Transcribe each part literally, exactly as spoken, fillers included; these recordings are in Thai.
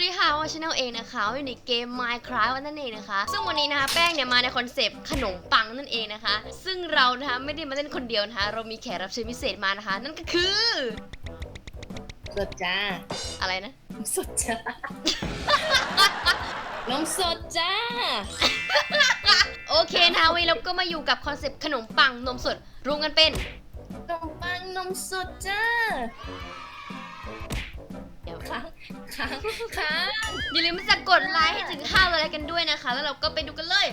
ดีค่ะว่าชาแนลเองนะคะอยู่ในเกม Minecraft นั่นเองนะคะซึ่งวันนี้นะคะแป้งเนี่ยมาในคอนเซปต์ขนมปังนั่นเองนะคะซึ่งเรานะคะไม่ได้มาเล่นคนเดียวนะคะเรามีแขกรับเชิญพิเศษมานะคะนั่นก็คือสดจ้าอะไรนะสดจ้า นมสดจ้าโอเคนะคะวันนี้เราก็มาอยู่กับคอนเซปต์ขนมปังนมสดรวมกันเป็นขนมปังนมสดจ้าเดี๋ยวค้างค้างค้างอย่าลืมที่จะกดไลค์ให้ถึงห้าร้อยไลค์กันด้วยนะคะแล้วเราก็ไปดูกันเลย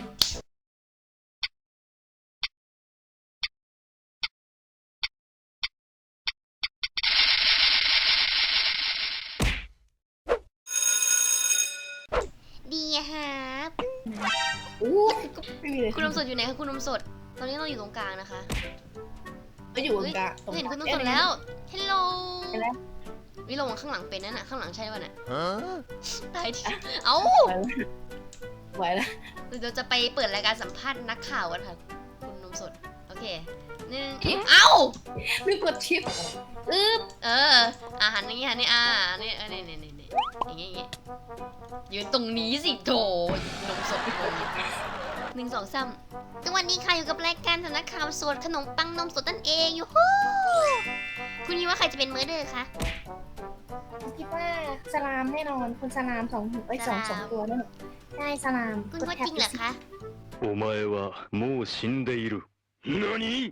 ดีครับอู้ไม่มีเลยคุณนมสดอยู่ไหนคะคุณนมสดตอนนี้เราอยู่ตรงกลางนะคะก็อยู่ตรงกลางเห็นคุณนมสดแล้วฮัลโหลเห็นแล้ววิลงข้างหลังเป็นนั่นน่ะข้างหลังใช่ป่ะน่ะตายทีเอ้าไหวแล้วเราจะไปเปิดรายการสัมภาษณ์นักข่าวกันค่ะคุณนมสดโอเคหนึ่งเอ้าไม่กดชิปอึ๊บเอออาหารอย่างงี้หันนี่อ่านี่เออนี่นี่นี่นี่อย่างงี้อย่างงี้ยืนตรงนี้สิโถนมสดงงหนึ่งสองสามสวัสดีค่ะอยู่กับรายการสำนักข่าวสดขนมปังนมสดนั่นเองอยู่ฮู้คุณคิดว่าใครจะเป็นเมอร์เดอร์คะคิดว่าสลามแน่นอนคุณสลามสองหัวไอ้สองสองตัวนั่นใช่สลามคุณว่าจริงเหรอคะお前はもう死んでいる。何？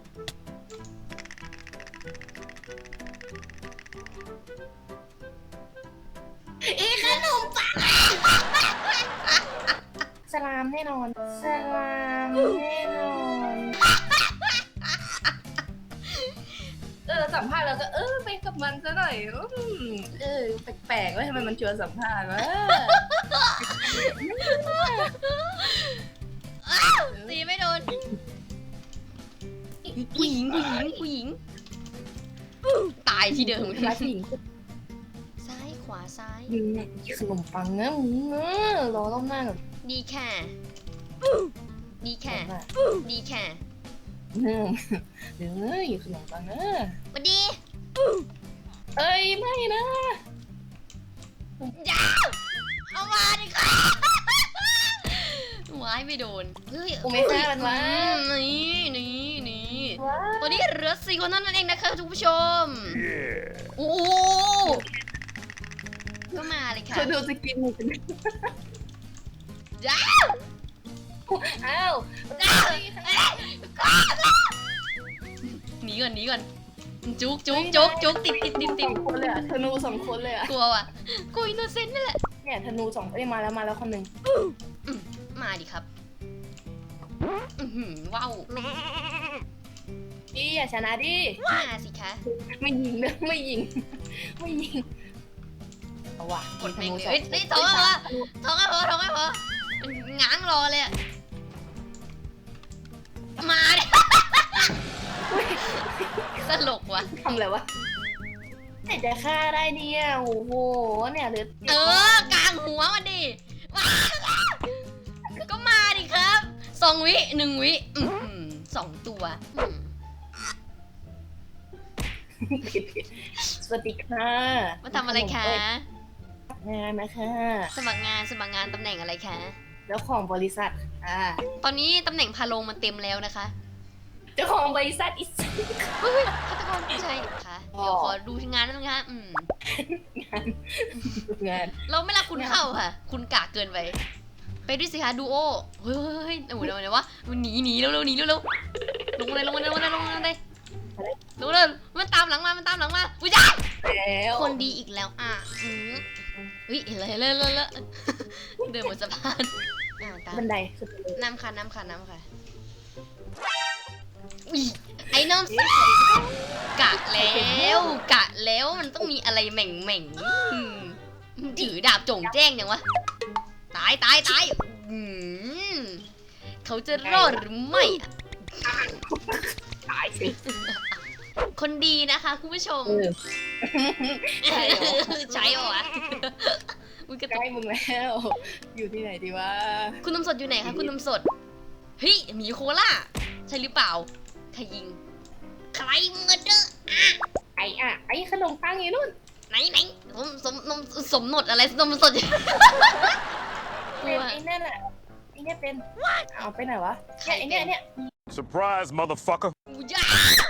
อีขนมปังสลามแน่นอนสลามแน่นอนเออสัมภาษณ์เราก็เออไปกับมันซะหน่อยอืมเออแปลกๆว่าทำไมมันชวนสัมภาษณ์วะตีไม่โดนผู้หญิงผู้หญิงผู้หญิงตายที่เดิมร้านผู้หญิงซ้ายขวาซ้ายยิงเนี่ยขนมปังนะมึงเออรอรอบหน้าก่อนดีแค่ดีแค่ดีแค่เนื่อเดี๋ยวนะอยู่ขนมปังนะมาดีเอ้ยไม่นะยาวเอามาดิค่ะว้ายไม่โดนเฮ้ยกูไม่ฆ่ามันวะนี่นี่นี่ว้าตอนนี้เหลือสี่คนเท่านั้นเองนะคะทุกผู้ชมโอ้ก็มาเลยค่ะเธอดูสกินมึงเป็นจ้าอ้าวหนีก่อนหนีก่อนจุกจุกจุกจุกติดติดติดติสดองคนเลยอ่ะธนูสองคนเลยอ่ะกลัวว่ะกูอินโนเซนต์นี่แหละเนี่ยธนูสองเอ้ยมาแล้วมาแล้วคนหนึ่งมาดิครับอื้อหือว้าวดิอย่าชนะดิมาสิคะไม่ยิงเด้อไม่ยิงไม่ยิงเอาว่ะกดแม่งเลยเฮ้ยนี่ท้องไม่พอท้องไม่พอท้องไม่พอมันง้างรอเลยอะมาดิตลกว่ะทำอะไรวะไหนจะฆ่าได้เนี่ยโอ้โหเนี่ยเหลือเออกลางหัวมันดิมาก็มาดิครับสองวิหนึ่งวิอื้อหือสองตัวอืมผิดผิดสวัสดีค่ะมาทำอะไรคะงานนะคะสมัครงานสมัครงานตำแหน่งอะไรคะแล้วของบริษัทอ่าตอนนี้ตำแหน่งพาลงมันเต็มแล้วนะคะเจ้าของบริษัทอิสเฮ้ยฆาตกรไม่ใช่ค่ะอ๋อเดี๋ยวขอดูงานนิดนึงค่ะอืมงานงานเราไม่รักคุณเข้าค่ะ คุณกากเกินไป ไปด้วยสิคะดูโอเฮ้ยโอ้โหเดี๋ยวเดี๋ยววะหนีหนีเร็วเร็วหนีเร็วเร็วลงเลยลงเลยลงเลยลงเลยลงเลยลงเลยมันตามหลังมา มันตามหลังมาอุ้ยจ้าแล้วคนดีอีกแล้วอ่ะอืมอุ้ยเห็นเลยเลยเลยเลยเดินบนสะพานอ่าตามบันไดสุดเลยน้ำค่ะน้ำค่ะน้ำค่ะอุ้ยไอ้น้องกะแล้วกะแล้วมันต้องมีอะไรแหม่งแหม่งๆอืมถือดาบโจ่งแจ้งยังวะตายตายตายอืมเขาจะรอดหรือไม่อะตายสิคนดีนะคะคุณผู้ชมเออใช่เหรอใช่เหรอวะอุ้ยกระใกตุล้กมึงแล้ว อยู่ที่ไหนดีวะคุณนมสดอยู่ไหนคะคุณนมสดเฮ้ยหมีโคล่าใช่หรือเปล่าใครยิงใครเมอร์เดอร์ไอ้อะไอ้ขนมปังอยู่นู่นไหนไหนสมสมนมสมนดอะไรนมสด กลัเป็นวไอ้นั่นอ่ะไอ้เนี่ยเป็นเอาไปไหนวะเนี่ยไอ้เนี่ยเนี่ย Surprise, motherfucker. กูยา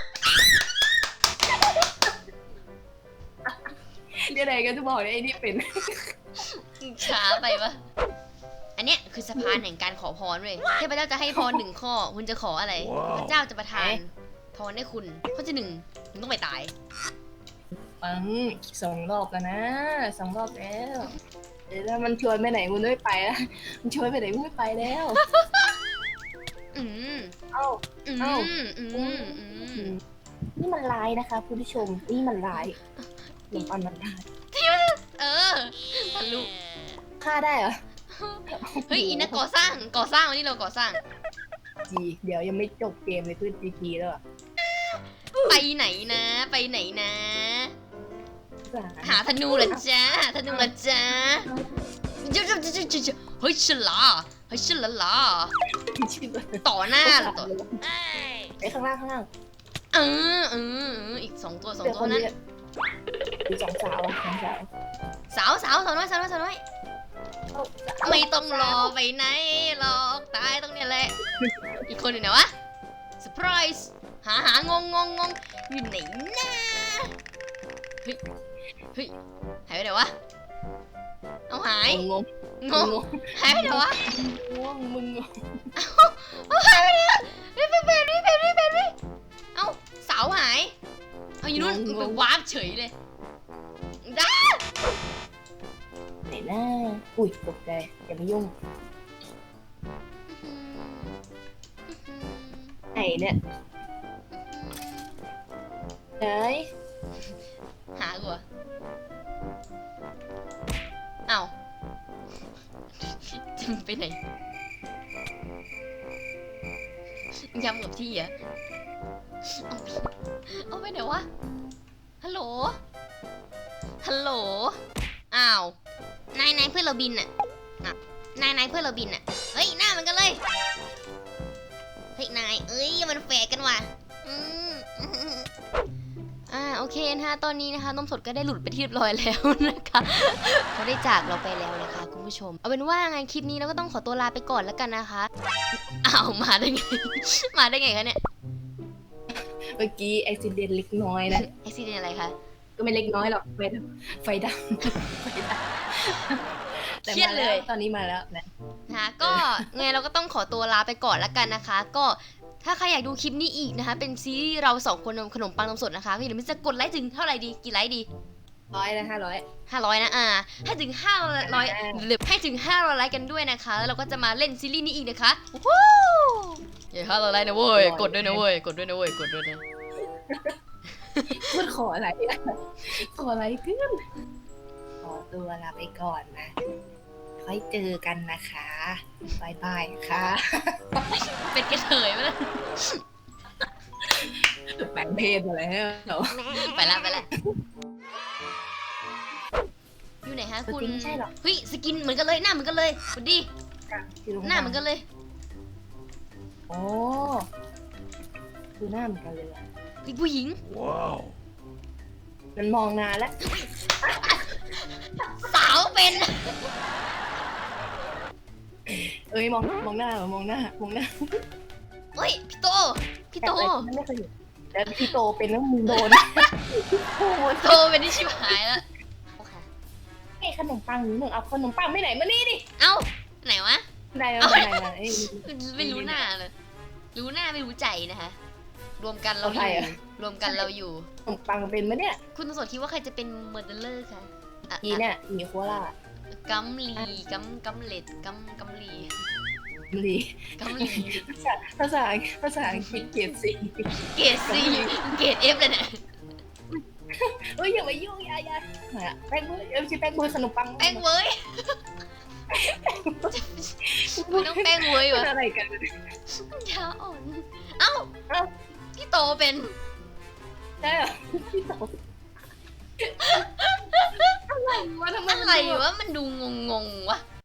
เดี๋ยวไหนกันจะบอกเนี่ยไอ้นี่เป็นช้าไปปะอันเนี้ยคือสะพานแห่งการขอพรเว้ยเทพเจ้าจะให้พรหนึ่งข้อ คุณจะขออะไรว้าวพระเจ้าจะประทานพรให้คุณข้อที่หนึ่งคุณต้องไปตายปังสองรอบแล้วนะสองรอบแล้วเดี๋ยวถ้ามันชวนไปไหนมึงไม่ไปแล้วมันชวนไปไหนมึงไม่ไปแล้วอืมเอ้าอืมเอ้าอืมอืมนี่มันลายนะคะคุณผู้ชมนี่มันลายหนุ่มปันมันลายเออทะลุฆ่าได้เหรอเฮ้ยอินนะก่อสร้างก่อสร้างวันนี้เราก่อสร้างจีเดี๋ยวยังไม่จบเกมเลยขึ้นจีจีแล้วอะไปไหนนะ ไปไหนนะ หาธนูเหรอจ๊ะหาธนูเหรอจ๊ะเจ้าเจ้าเจ้าเจ้าเจ้าเฮ้ยฉลาเฮ้ยฉลาลาชื่อต่อหน้าเหรอต่อไอ้ข้างล่างข้างล่างเออเออเอออีกสองตัวสองเดี๋ยวตัควน นั้นนี้มีสองสาวอะสองสาวสาวสาวสาวน้อยสาวน้อยสาวน้อยเอ้าไม่ต้องรอไปไหนหรอกตายตรงเนี้ยแหละ อีกคนอยู่ไหนวะเซอร์ไพรส์หาหางงงงงงอยู่ไหนนะเฮ้ยเฮ้ยหายไปไหนวะเอาหายงงงงหายไปไหนวะงงมึงงงเอาหายไปไหนวะเฮ้ยเป็นเป็นเป็นเป็นเป็นเป็นเอาสาวหายเอาอยู่นู่นไปวาร์ปเฉยเลยด้าไหนหน้าอุ้ยตกใจอย่ามายุ่งไหนเนี่ยไหนหากูเหรอเอาจะมึงไปไหนย้ำกับที่เหรอ่ะเอาไปไหนวะ ฮัลโหล ฮัลโหล อ้าว นายนายเพื่อนเราบินอ่ะอ่ะนายนายเพื่อนเราบินอ่ะ เฮ้ย หน้ามันกันเลย เฮ้ย นาย เอ้ย มันแฝกกันว่ะอืมอ่า โอเคนะคะ ตอนนี้นะคะนมสดก็ได้หลุดไปที่เรียบร้อยแล้วนะคะ เขาได้จากเราไปแล้วนะคะคุณผู้ชม เอาเป็นว่าไงคลิปนี้เราก็ต้องขอตัวลาไปก่อนแล้วกันนะคะ อ้าว มาได้ไง มาได้ไงคะเนี่ยเมื่อกี้อุบิเหตุเล็กน้อยนะไอซีเดนอะไรคะก็ไม่เล็กน้อยหรอกไฟดับไฟดับไฟดับแต่เครียดมาเลแล้วยตอนนี้มาแล้วนะนะคะก็ไงเราก็ต้องขอตัวลาไปก่อนแล้วกันนะคะ ก็ถ้าใครอยากดูคลิปนี้อีกนะคะ เป็นซีรีส์เราสองคนนมขนมปังนมสดนะคะก็อย่าลืมจะกดไลค์ถึงเท่าไหร่ดีกี่ไลค์ดีร้อยนะห้าร้อยห้าร้อยนะอ่าให้ถึงห้าร้อยหรือให้ถึงห้าร้อยไลค์กันด้วยนะคะแล้วเราก็จะมาเล่นซีรีส์นี้อีกนะคะวู้อย่าห้าร้อยไลค์นะเว้ยกดด้วยนะเว้ยกดด้วยนะเว้ยกดด้วยนะพูดขออะไรอะขออะไรขึ้นขอตัวลาไปก่อนนะค่อยเจอกันนะคะบายบายค่ะเป็นกระเทยไปแล้วแบ่งเพศมาแล้วไปละไปละอยู่ไหนฮะสคุณกินไม่ใช่หรอกเฮ้ยสกินเหมือนกันเลยหน้าเหมือนกันเลยคุณดีอยู่ตรงหน้าเหมือนกันเลยโอ้ดูหน้าเหมือนกันเลยอะเฮ้ยผู้หญิง Wow. มันมองนานแล้วสาวเป็นเอ้ยมองมองหน้าเหรอมองหน้ามองหน้าเฮ้ยพี่โตพี่โตแต่ไม่เคยเห็นแล้วพี่โตเป็นแล้วมึงโดนโอ้โหโตเป็นที่ชิบหายแล้วโอเคไอ้ขนมปังหนูเอาขนมปังไม่ไหนมานี่ดิเอ้าไหนวะไหนมาเอาไหนมาไอ้ไม่รู้หน้าเลยรู้หน้าไม่รู้ใจนะคะรวมกันเราอยู่รวมกันเราอยู่ขนมปังเป็นมะเนี่ยคุณสดคิดว่าใครจะเป็นเมอร์เดอร์คะอ่ะอีเนี่ยมีโคราชกัมลีกัมกัมเลดกัมกัมลีลีกัมลีภาษาภาษาอังกฤษเกียรติสิเกรดซีเกรดเอฟเลยเนี่ยเอ้ยอย่ามายุ่งอย่าอย่าแป้งมือเอ้ยไม่ใช่แป้งมือขนมปังแป้งเว้ยไม่ต้องแป้งเว้ยวะอะไรกันยาอ่อน เอ้าเอ้าพี่โตเป็นใช่เหรอพี่โตอะไรวะทำไมอะไรวะ มันดูงงงๆวะ